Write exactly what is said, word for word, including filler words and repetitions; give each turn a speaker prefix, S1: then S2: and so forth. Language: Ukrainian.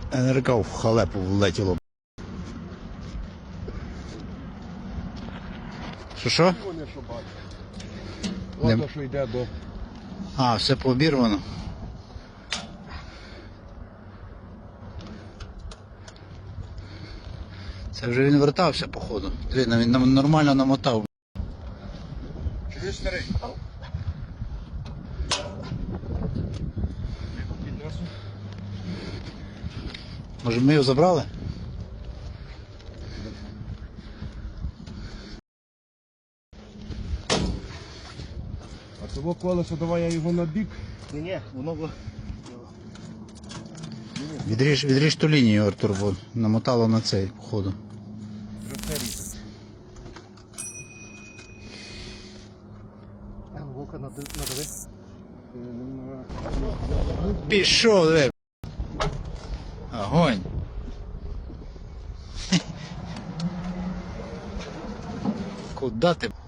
S1: НРК в халепу влетіло. Що що?
S2: Вони що бачать.
S1: Не-
S2: Ладно, що йде до...
S1: А, все пообірвано. Це вже він вертався, походу. Він він нам нормально намотав.
S2: Чуєш, старий?
S1: Може ми його забрали?
S2: А того колесо, давай я його на бік.
S3: Ні-ні, воно було.
S1: Відріж, відріж ту лінію, Артур, бо намотало на цей, походу.
S2: Вже все різать.
S3: Вовка надави.
S1: Пішов, диви. Огонь. Куда ти?